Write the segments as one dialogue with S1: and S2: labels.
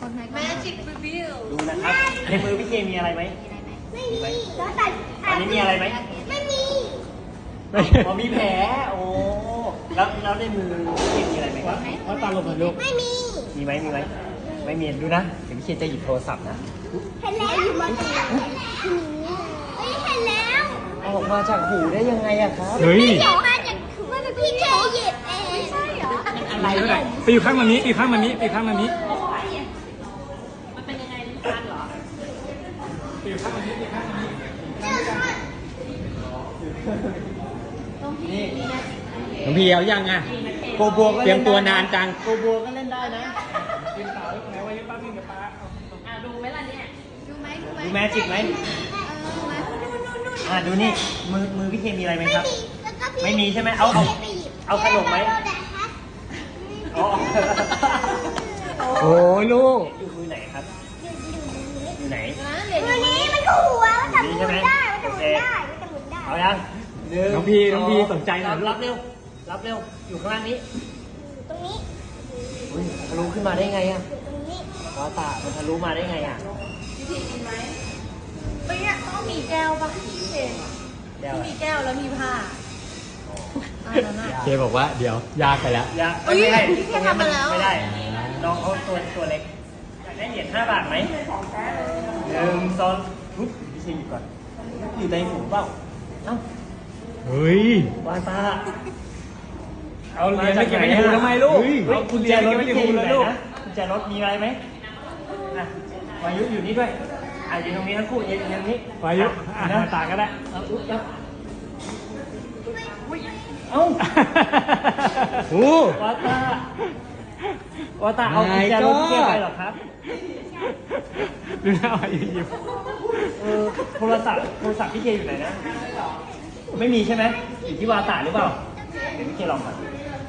S1: แมจิกรีวิว
S2: ดูนะครับในมือพี่เคมีอะไรไหม
S3: ไม่มีแล้วแต่
S2: อันนี้มีอะไรไหม
S3: ไม่มี
S2: อ๋อมีแผลโอ้แล้วในมือพี่เคมีอะไรไหมครับ
S4: ว่าตาลงมาลูก
S3: ไม่มี
S2: มีไหมไม่มีดูนะเดี๋ยวพี่เคจะหยิบโทรศัพท์นะ
S3: เห็นแล้วอยู่มาจากเฮ้ยเห็นแล้ว
S2: เอาออกมาจากหูได้ยังไงอะครับ
S4: เฮ้ย
S3: เดี๋ยวมาจากพี่เคหยิบเองไม่ใช่เหรอ
S2: อะไร
S4: ไป
S2: เนี่ย
S4: อยู่ข้างมันนี้ไปอยู่ข้างมันนี้ไปอยู่ข้างมันนี้
S1: มันเป็นยังไงลิ้นชักเหรอ
S4: ไปอยู่ข้างมันนี้ไปอยู่ข้างมันนี้
S2: นี่
S4: น้องพี่เอายังอ่ะ
S2: โกบัวก็
S4: เตรียมตัวนานจัง
S2: โกบัวก็เล่นได้นะ
S4: ยืนเสาไหนไว้ยืนป้าพี่กับป้า
S1: ดูไหมล่ะเนี่ย
S3: ดูไหม
S2: ดูแมจิกไหมดูนี่มือพี่เคมีอะไรไหมครับ ไม่มีใช่ไหมเอาขนมไหมอ๋อ
S4: โอ้ลูก
S2: อยู่มือไหนครับอยู่ไหน
S3: มือนี้มันหัวมันจะหมุนได้มันจะหมุนได้มันจะหมุนได้
S2: เอายัง
S4: น้องพี่สนใจหน่อยลูก
S2: รับเร็วอยู่ข้างล่างนี้
S3: ตรงนี้
S2: อุ๊ยทะลุขึ้นมาได้ไงอะ
S3: ตรงนี้
S2: วาตามันทะลุมาได้ไงอะ
S1: วิธีกินไหมเฮ้ยต้องมีแก้วป่ะพี่เชน
S2: เดี๋ยว
S1: มีแก้วแล้วมีผ้าอันนั้นอะ
S4: เคบอกว่าเดี๋ยวยากไปแล้ว
S2: อย่า
S1: เอ้ย
S2: ไม่ได้
S1: พี่เคทำมาแล้ว
S2: ไม่ได้น้องเขาตัวเล็กอยากได้เหรียญ5 บาทไหม1 2ปุ๊บพี่ชิงหยิบก่อนอยู่ในหูเปล่าเอ้า
S4: เฮ้ยว
S2: าตา
S4: เอาเหรียญไปเก็บไว้ในหูทำไมลูก
S2: เอากุญแจรถ
S4: เก็บไว้ใน
S2: พี่
S4: หู
S2: อยู่
S4: เล
S2: ไหน
S4: ยลูก
S2: นะกุญแจรถมีอะไรไหมอ่ะวายุอยู่นี่ด้วยอยู่ตรงนี้ทั้งคู่ยืนตรงนี้
S4: วายุนะ
S2: นะ
S4: ตาก็ได้
S2: เอาอุ๊บยับเอ้า
S4: โอ้
S2: วาตาวาตาเอากุญแจรถพี่เกไปเหรอครับ
S4: ดูหน้าวายุยิ้ม
S2: โทรศัพท์พี่เกอยู่ไหนนะ ไม่มีใช่ไหมอยู่ที่วาตาหรือเปล่า เดี๋ยวพี่เกลองก่อน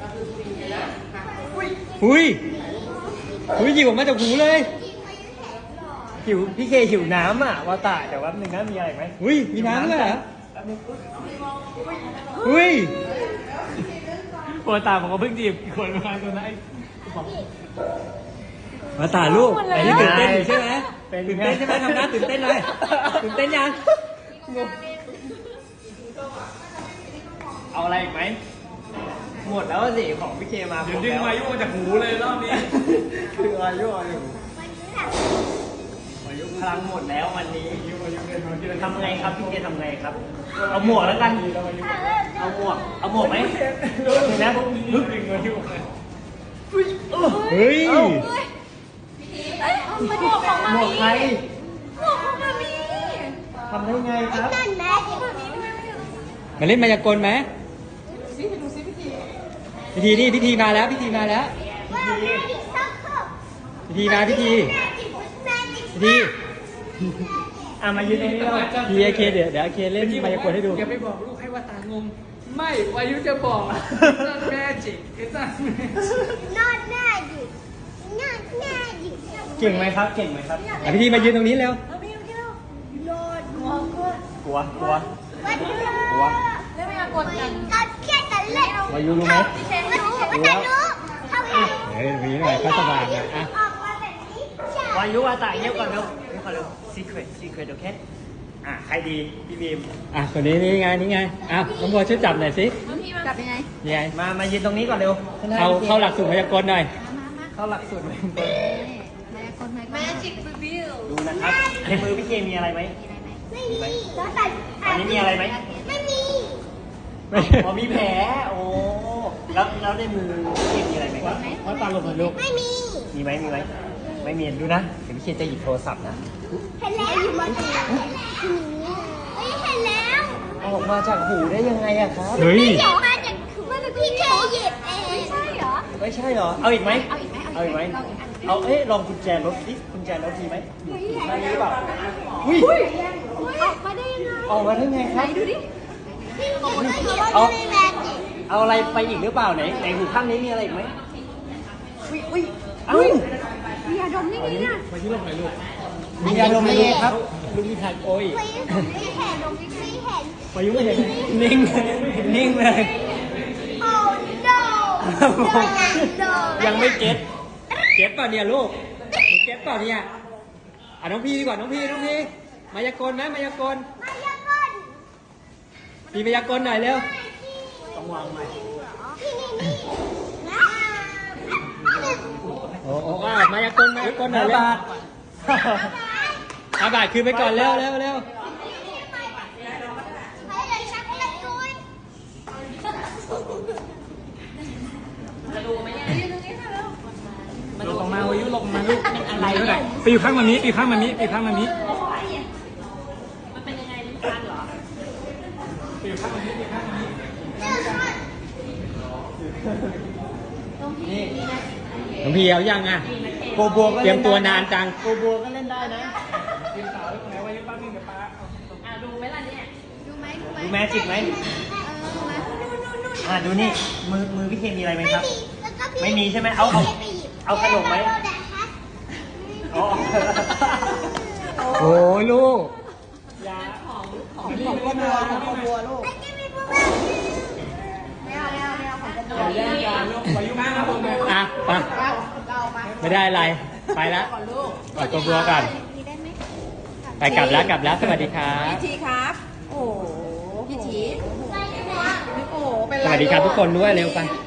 S4: อุ้ยหยิบออกมาจากหูเลย
S2: หิวพี่เคหิวน้ำอ่ะวาตาเดี๋ยวแป๊บนึงนะมีอะไรไหม
S4: อุ้ยมีน้ำเลยเหรอ
S2: แป๊บนึง
S4: อุ้ยปวดตาผมก็เพิ่งหยิบอีกคนมาตัวนั้นมาตาลูกไอ้นี่ตื่นเต้นอยู่ใช่ไหมตื่นเต้นใช่ไหมทำหน้าตื่นเต้นเลยตื่นเต้นยัง
S2: เอาอะไรอีกไหมหมดแล้วสิของพี่เคมา
S4: เดี๋ยวดึงวายุมาจากหูเลยรอบนี้
S2: คือวายุพลังหมดแล้ววันนี้ทำไงครับพี่เคทำไงครับ เอาหมวกแล้วกัน เอาหมวกไหมเดี๋ยวนะฮึบ
S4: ดึงวายุมา
S2: เฮ้ย
S1: หมวกของมา
S2: หมวกใคร
S1: หมวกของมามี
S2: ทำได้ไงครับ
S3: นั่นแม่ที่
S4: มาเล่นมายากลไหม
S1: ดูซิพี่ที
S4: พิธีมาแล้วพิธี
S3: ว่าแม่ที่ซักเข้า
S4: พิธีมาพิธี
S3: แม่ที่แม่ที่
S4: พิธี
S2: มายืนตรงนี้แล้ว
S4: พีเอเคเดี๋ยวเคเล่นมายากลให้ดู
S5: อย่าไปบอกลูกให้ว่าตางง ไม่วายุจะบอกนั่นแม่จิกไอ้นั่นแม่จิก
S3: นอนหน้าหยิบนอนหน้าหยิบ
S2: เก่งไหมครับ เก่งไหมครับ
S4: พิธีมายืนตรงนี้เร็ว
S1: เอาพี่พี่เรา
S3: นอนงอก
S2: ลัว
S3: วันเดียว
S1: เล่นไม่กดกัน
S3: ตอนเครียดกันเล่น
S2: วายุรู้ไหม
S3: มันรู้มันจะรู้ทำไง
S4: เฮ้ยมีหน่อยก็สบายนะอ่ะ
S3: ออกมาแบบนี้จ้ะ
S2: วายุวาตาเงียบก่อนเร็วเงียบก่อนเร็ว secret โอเคใครดีพี่บีม
S4: อ่ะคนนี้นี่ไงอ่ะน้องบัวช่วยจับหน่อยสิ
S1: จับยังไง
S4: นี่ไง
S2: มายืนตรงนี้ก่อนเร็ว
S4: เข้าหลักสูตรมายากลหน่อย
S2: เข้าหลักสูตรไหม
S1: แมจิกรีวิว
S2: ดูนะครับในมือพี่เคมีอะไรไหม
S3: ไม่มีแล้วแต่
S2: อันนี้มีอะไรไหม
S3: ไม่มี
S2: อ๋อมีแผลโอ้แล้วในมือพี่เคมีอะไรไหมครับ
S4: ว่าตาลงมาลูก
S3: ไม่มี
S2: มีไหมไม่มีดูนะเดี๋ยวพี่เคจะหยิบโทรศัพท์นะ
S3: เห็นแล้วอยู่มาจากเฮ้ยเห็นแล้ว
S2: เอาออกมาจากหูได้ยังไงอะครับ
S4: เฮ้ย
S3: เดี๋ยวมาจากพี่เคหยิบเองไม่ใช่เหรอ
S2: ไม่ใช่เหรอเอาอีกไหม
S3: เอาอีกไหม
S2: เอาลองกุญแจรถดิกุญแจรถดีไหมได้หรือเปล่าอุ้ย
S3: ออกมาได้ยังไง
S2: ออกมาได้ไงครับ
S3: พี่หยิบเขาว่าไม่แมจิก
S2: เอาอะไรไปอีกหรือเปล่าไหนหูข้างนี้มีอะไรอีกไหมอุ้ยเอ้า
S3: มียาดมนี่ไงเนี่ย
S4: มาที่ลงหน่อยลูก
S2: มียาดมอะไรครับ
S4: ลูกที่ทันโอ้ย
S3: ไม่เห็นดมไม่เห็น
S4: มายุไม่เห็น
S2: นิ่งเลย
S3: โอ้ no
S2: ยังไม่เก็ต
S4: เก็บป่ะเนี่ยลูกเก็บเปล่าเนี่ยน้องพี่ดีกว่าน้องพี่มายากลไหมมายากล
S3: มายากล
S4: พี่มายากลหน่อยเร็ว
S2: ต้องวางใหม่
S3: ที่นี่นะ
S4: โอ้มายากลหน่อยเร็ว5 บาทคืนไปก่อนเร็ว
S3: ไปเลยชักเลยจุ้ย
S4: ลงมาวายุลงมาลูก
S2: อะไร
S4: เท่าไห
S2: เนี่
S4: ร่
S2: ย
S4: ไปอยู่ข้างมันนี้ไปอยู่ข้างมันนี้
S1: มันเป็นยังไงลิ้นชักเหรอ
S2: นี่
S4: น้องพี่เอายังอ่ะ
S2: โกบัวก็
S4: เตรียมตัวนานจัง
S2: โกบัวก็เล่นได้นะ
S1: ดูไหมล่ะเนี่ย
S3: ดูไหม
S2: ดูแมจิกไหม ดูนี่มือพี่เคนมีอะไรไหมครับ ไม่มีใช่ไหมเอาขนมไหมอ๋อ
S4: โอ้ยลูก
S2: ของโกบัวลูก อย่าแย่งกันลูกวายุมากครับผม
S4: อ่ะไปไม่ได้อะไร ไปแล้วกอดตัวบัวกัน ไปกลับแล้วสวัสดีครับ
S1: พี่ทีครับ โอ้พี่ทีโอ้เป็น
S4: ส
S1: ไร
S4: วัสดีครับทุกคนด้วยเร็วไป
S3: ไ